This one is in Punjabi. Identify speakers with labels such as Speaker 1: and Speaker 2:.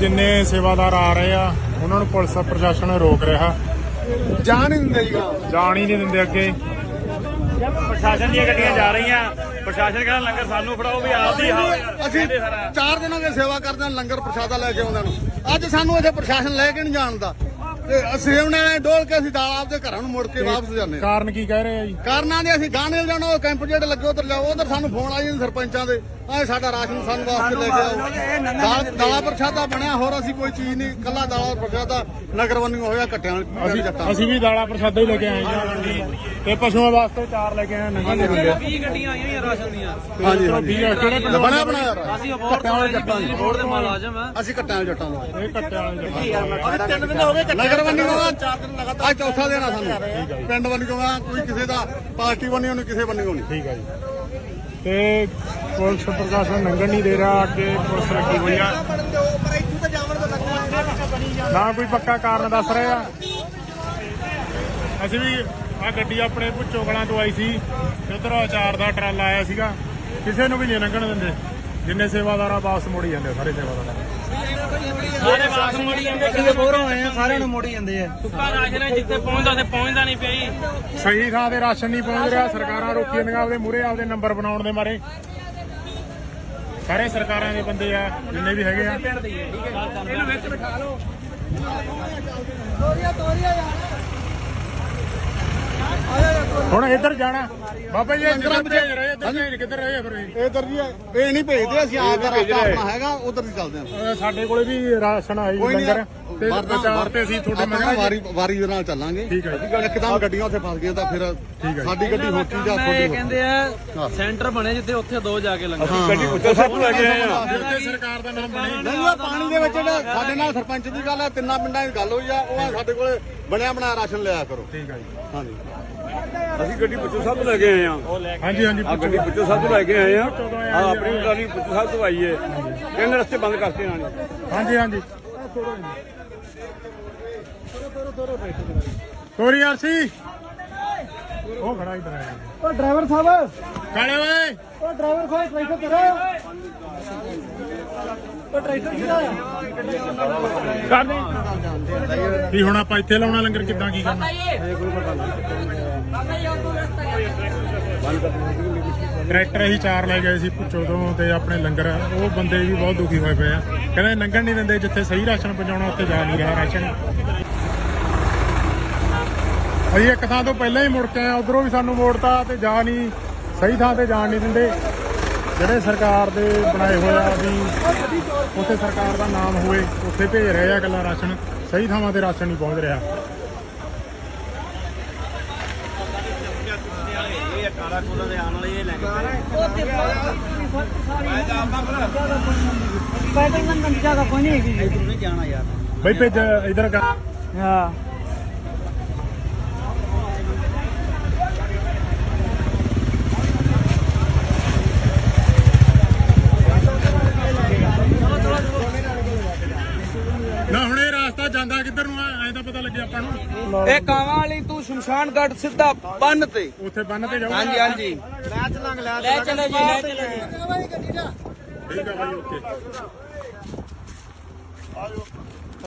Speaker 1: ਜਿੰਨੇ ਸੇਵਾਦਾਰ ਆ ਰਹੇ ਆ ਉਹਨਾਂ ਨੂੰ ਪੁਲਿਸ ਪ੍ਰਸ਼ਾਸਨ ਰੋਕ ਰਿਹਾ,
Speaker 2: ਜਾਣ ਹੀ ਦਿੰਦੇ ਜੀ,
Speaker 1: ਜਾਣ ਹੀ ਨਹੀਂ ਦਿੰਦੇ ਅੱਗੇ।
Speaker 3: ਪ੍ਰਸ਼ਾਸਨ ਦੀਆਂ ਗੱਡੀਆਂ ਜਾ ਰਹੀਆਂ, ਪ੍ਰਸ਼ਾਸਨ ਕਹਿੰਦਾ ਲੰਗਰ ਸਾਨੂੰ ਫੜਾਓ ਵੀ ਆਪਦੀ
Speaker 2: ਅਸੀਂ 4 ਦਿਨਾਂ ਦੀ ਸੇਵਾ ਕਰਦੇ ਹਾਂ, ਲੰਗਰ ਪ੍ਰਸ਼ਾਦਾ ਲੈ ਕੇ ਆਉਂਦੇ ਨੂੰ। ਅੱਜ ਸਾਨੂੰ ਇੱਥੇ ਪ੍ਰਸ਼ਾਸਨ ਲੈ ਕੇ ਨਹੀਂ ਜਾਣਦਾ ਤੇ ਅਸੀਂ ਉਹਨਾਂ ਨੇ ਡੋਲ ਕੇ ਅਸੀਂ ਦਾਲ ਆਪਦੇ ਘਰਾਂ ਨੂੰ ਮੁੜ ਕੇ ਵਾਪਸ ਜਾਂਦੇ ਹਾਂ।
Speaker 1: ਕਾਰਨ ਕੀ ਕਹਿ ਰਹੇ ਆ ਜੀ?
Speaker 2: ਕਾਰਨਾਂ ਦੇ ਅਸੀਂ ਗਾਣੇ ਜਾਣਾ, ਉਹ ਕੈਂਪ ਜਿਹੜੇ ਲੱਗੇ ਉਧਰ ਜਾਓ, ਉਧਰ ਸਾਨੂੰ ਫੋਨ ਆਈ ਜਾਂਦੇ ਸਰਪੰਚਾਂ ਦੇ, ਆਹ ਸਾਡਾ ਰਾਸ਼ਨ ਸਾਨੂੰ ਵਾਸਤੇ ਲੈ ਕੇ ਆਓ। ਦਾਲਾ ਪ੍ਰਸ਼ਾਦਾ ਬਣਿਆ, ਹੋਰ ਅਸੀਂ ਕੋਈ ਚੀਜ਼ ਨਹੀਂ, ਕੱਲਾ ਦਾਲਾ ਪ੍ਰਸ਼ਾਦਾ ਨਗਰ ਵੰਨਿਓ ਹੋਇਆ ਕੱਟਿਆਂ ਵਾਲੀ ਜੱਟਾਂ।
Speaker 1: ਅਸੀਂ ਵੀ ਦਾਲਾਂ ਪ੍ਰਸ਼ਾਦਾ ਹੀ ਲੈ ਕੇ ਆਏ ਹਾਂ ਤੇ ਪਸ਼ੂਆਂ ਵਾਸਤੇ 4 ਲੈ ਕੇ ਆਏ ਨੰਗਾ ਦੇ ਦਿੰਦੇ।
Speaker 3: 20 ਗੱਡੀਆਂ ਆਈਆਂ ਹੋਈਆਂ ਰਾਸ਼ਨ ਦੀਆਂ।
Speaker 2: ਹਾਂਜੀ
Speaker 1: ਕਿਹੜੇ ਪਿੰਡ
Speaker 2: ਬਣਿਆ ਬਣਾਇਆ
Speaker 3: ਅਸੀਂ ਕੱਟਿਆਂ ਵਾਲੇ ਜੱਟਾਂ ਦੀ ਬੋਰਡ ਦੇ ਮੁਲਾਜ਼ਮ ਆ।
Speaker 2: ਅਸੀਂ ਕੱਟਿਆਂ ਵਾਲੇ ਜੱਟਾਂ ਨੂੰ
Speaker 1: ਇਹ ਕੱਟਿਆਂ ਵਾਲੇ ਜੱਟਾਂ।
Speaker 3: 3 ਦਿਨ ਹੋ ਗਏ
Speaker 2: ਨਗਰ ਵੰਨਿਓ 4 ਦਿਨ ਲਗਾਤਾਰ, ਅੱਜ ਚੌਥਾ ਦਿਨ ਆ ਸਾਨੂੰ। ਪਿੰਡ ਵੰਨਿਓ ਕੋਈ ਕਿਸੇ ਦਾ ਪਾਰਟੀ ਵੰਨਿਓ ਨਹੀਂ, ਕਿਸੇ ਵੰਨਿਓ ਨਹੀਂ।
Speaker 1: ਠੀਕ ਆ ਜੀ। ਤੇ ਪੁਲਿਸ ਪ੍ਰਸ਼ਾਸਨ ਲੰਘਣ ਨਹੀਂ ਦੇ ਰਿਹਾ, ਅੱਗੇ ਪੁਲਿਸ ਲੱਗੀ ਹੋਈ ਆ, ਨਾ ਕੋਈ ਪੱਕਾ ਕਾਰਨ ਦੱਸ ਰਹੇ ਆ। ਅਸੀਂ ਵੀ ਆ ਗੱਡੀ ਆਪਣੇ ਭੁੱਚੋ ਕਲਾਂ ਤੋਂ ਆਈ ਸੀ, ਉਧਰ ਅਚਾਰ ਦਾ ਟਰਾਲਾ ਆਇਆ ਸੀਗਾ, ਕਿਸੇ ਨੂੰ ਵੀ ਨਹੀਂ ਲੰਘਣ ਦਿੰਦੇ। ਜਿੰਨੇ ਸੇਵਾਦਾਰ ਆ ਵਾਪਸ ਮੋੜੀ ਜਾਂਦੇ, ਸਾਰੇ ਸੇਵਾਦਾਰ
Speaker 3: ਸਾਰੇ ਵਾਪਸ ਮੋੜੀ ਜਾਂਦੇ, ਕਿਤੇ ਬੋਰ ਹੋਏ ਆ, ਸਾਰਿਆਂ ਨੂੰ ਮੋੜੀ ਜਾਂਦੇ ਆ। ਸੁੱਕਾ ਰਾਸ਼ਨ ਹੈ, ਜਿੱਥੇ ਪਹੁੰਚਦਾ ਤੇ ਪਹੁੰਚਦਾ ਨਹੀਂ ਪਿਆ ਜੀ।
Speaker 1: ਸਹੀ ਥਾਂ ਤੇ ਰਾਸ਼ਨ ਨਹੀਂ ਪਹੁੰਚ ਰਿਹਾ, ਸਰਕਾਰਾਂ ਰੋਕੀ ਜਾਂਦੀਆਂ ਆਪਦੇ ਮੂਹਰੇ ਆਪਦੇ ਨੰਬਰ ਬਣਾਉਣ ਦੇ ਮਾਰੇ। ਸਾਰੇ ਸਰਕਾਰਾਂ ਦੇ ਬੰਦੇ ਆ ਜਿੰਨੇ ਵੀ ਹੈਗੇ ਆ।
Speaker 3: ਇਹਨੂੰ ਵਿੱਚ ਬਿਠਾ ਲਓ।
Speaker 1: ਹੁਣ ਇੱਧਰ ਜਾਣਾ ਬਾਬਾ ਜੀ, ਇੱਧਰ ਭੇਜ ਰਹੇ, ਇੱਧਰ ਭੇਜ ਕਿੱਧਰ ਰਹੇ ਆ ਫਿਰ ਇਹ?
Speaker 2: ਇਧਰ ਜੀ ਇਹ ਨਹੀਂ ਭੇਜਦੇ, ਅਸੀਂ ਆਪ ਦਾ ਰਸਤਾ ਆਪਣਾ ਹੈਗਾ, ਉਧਰ ਦੀ ਚੱਲਦੇ ਹਾਂ।
Speaker 1: ਸਾਡੇ ਕੋਲੇ ਵੀ ਰਾਸ਼ਨ ਆਈ ਲੰਗਰ ਤੇ ਵਿਚਾਰ ਤੇ ਅਸੀਂ ਤੁਹਾਡੇ
Speaker 2: ਆਪਾਂ ਵਾਰੀ ਦੇ ਨਾਲ ਚੱਲਾਂਗੇ।
Speaker 1: ਠੀਕ ਹੈ ਜੀ।
Speaker 2: ਇੱਕਦਮ ਗੱਡੀਆਂ ਉੱਥੇ ਫਸ ਗਈਆਂ ਤਾਂ ਫਿਰ ਸਾਡੀ ਗੱਡੀ ਹੋਤੀ ਜਾਂ
Speaker 3: ਇਹ
Speaker 2: ਤੁਹਾਡੀ
Speaker 3: ਕਹਿੰਦੇ ਆ ਸੈਂਟਰ ਬਣੇ ਜਿੱਥੇ ਉੱਥੇ 2 ਜਾ ਕੇ ਲੰਗਰ।
Speaker 2: ਗੱਡੀ ਉੱਥੇ ਸਭ ਲੈ ਕੇ ਆਏ ਆ।
Speaker 1: ਜਿੱਥੇ ਸਰਕਾਰ ਦਾ ਨਾਮ ਬਣੇ।
Speaker 2: ਨਹੀਂ ਉਹ ਪਾਣੀ ਦੇ ਵਿੱਚ ਜਿਹੜਾ ਸਾਡੇ ਨਾਲ ਸਰਪੰਚ ਦੀ ਗੱਲ ਹੈ, 3 ਪਿੰਡਾਂ ਦੀ ਗੱਲ ਹੋਈ ਆ, ਉਹ ਸਾਡੇ ਕੋਲੇ ਬਣਿਆ ਬਣਾਇਆ ਰਾਸ਼ਨ ਲਿਆ ਕਰੋ।
Speaker 1: ਠੀਕ ਹੈ ਜੀ।
Speaker 2: ਹਾਂਜੀ
Speaker 4: ਅਸੀਂ ਗੱਡੀ ਪੁੱਛੋ ਸਾਹਿਬ ਤੋਂ ਲੈ ਕੇ ਆਏ ਆ।
Speaker 1: ਹਾਂਜੀ ਹਾਂਜੀ।
Speaker 4: ਆ ਗੱਡੀ ਪੁੱਛੋ ਸਾਹਿਬ ਤੋਂ ਲੈ ਕੇ ਆਏ ਆ। ਆ ਆਪਣੀ ਟਰਾਲੀ ਪੁੱਛੋ ਸਾਹਿਬ ਤੋਂ ਆਈ ਏ, ਕਹਿੰਦੇ ਰਸਤੇ ਬੰਦ ਕਰਤੇ ਇਹਨਾਂ ਨੇ।
Speaker 1: ਹਾਂਜੀ ਹਾਂਜੀ। ਤੋਰੀ ਆਰਸੀ ਉਹ ਖੜਾ ਇਧਰ ਆਇਆ।
Speaker 2: ਉਹ ਡਰਾਈਵਰ ਸਾਹਿਬ,
Speaker 1: ਕਾਲੇ ਓਏ,
Speaker 2: ਉਹ ਡਰਾਈਵਰ ਸਾਹਿਬ ਟਰੈਕਟਰ ਕਰੋ, ਉਹ ਟਰੈਕਟਰ ਕਿਹਦਾ
Speaker 1: ਕੀ ਹੁਣ ਆਪਾਂ ਇੱਥੇ ਲਾਉਣਾ ਲੰਗਰ, ਕਿੱਦਾਂ ਕੀ ਕਰਨਾ? ਟਰੈਕਟਰ ਅਸੀਂ 4 ਲੈ ਗਏ ਸੀ ਭੁੱਚੋ ਤੋਂ ਤੇ ਆਪਣੇ ਲੰਗਰ, ਉਹ ਬੰਦੇ ਵੀ ਬਹੁਤ ਦੁਖੀ ਹੋਏ ਪਏ ਆ, ਕਹਿੰਦੇ ਲੰਘਣ ਨਹੀਂ ਦਿੰਦੇ, ਜਿੱਥੇ ਸਹੀ ਰਾਸ਼ਨ ਪਹੁੰਚਾਉਣਾ ਉੱਥੇ ਜਾ ਨਹੀਂ ਰਿਹਾ ਰਾਸ਼ਨ। ਅਸੀਂ ਇੱਕ ਥਾਂ ਤੋਂ ਪਹਿਲਾਂ ਹੀ ਮੁੜ ਕੇ ਆਏ, ਉਧਰੋਂ ਵੀ ਸਾਨੂੰ ਮੋੜਤਾ ਤੇ ਜਾ ਨਹੀਂ, ਸਹੀ ਥਾਂ ਤੇ ਜਾਣ ਨਹੀਂ ਦਿੰਦੇ। ਜਿਹੜੇ ਸਰਕਾਰ ਦੇ ਬਣਾਏ ਹੋਏ ਆ ਵੀ ਉੱਥੇ ਸਰਕਾਰ ਦਾ ਨਾਮ ਹੋਵੇ, ਉੱਥੇ ਭੇਜ ਰਹੇ ਆ ਇਕੱਲਾ ਰਾਸ਼ਨ, ਸਹੀ ਥਾਵਾਂ ਤੇ ਰਾਸ਼ਨ ਨਹੀਂ ਪਹੁੰਚ ਰਿਹਾ। ਬਈ ਭੇਜ ਇਧਰ ਕਰ।
Speaker 3: ਹਾਂ
Speaker 1: ਨਾ ਹੁਣ ਇਹ ਰਾਸਤਾ ਜਾਂਦਾ ਕਿੱਧਰ ਨੂੰ ਆ, ਐਂ ਤਾਂ ਪਤਾ ਲੱਗਿਆ ਆਪਾਂ ਨੂੰ।
Speaker 3: ਇਹ ਕਾਵਾਂ ਵਾਲੀ ਤੂੰ ਸ਼ਮਸ਼ਾਨ ਘਾਟ ਸਿੱਧਾ ਬੰਨ ਤੇ।
Speaker 1: ਉੱਥੇ ਬੰਨ ਤੇ ਜਾਊਗਾ।
Speaker 3: ਹਾਂਜੀ ਹਾਂਜੀ ਲੈ ਚਲੋ ਜੀ, ਲੈ ਚਲੋ ਜੀ।
Speaker 1: ਠੀਕ ਆ ਬਾਈ, ਓਕੇ।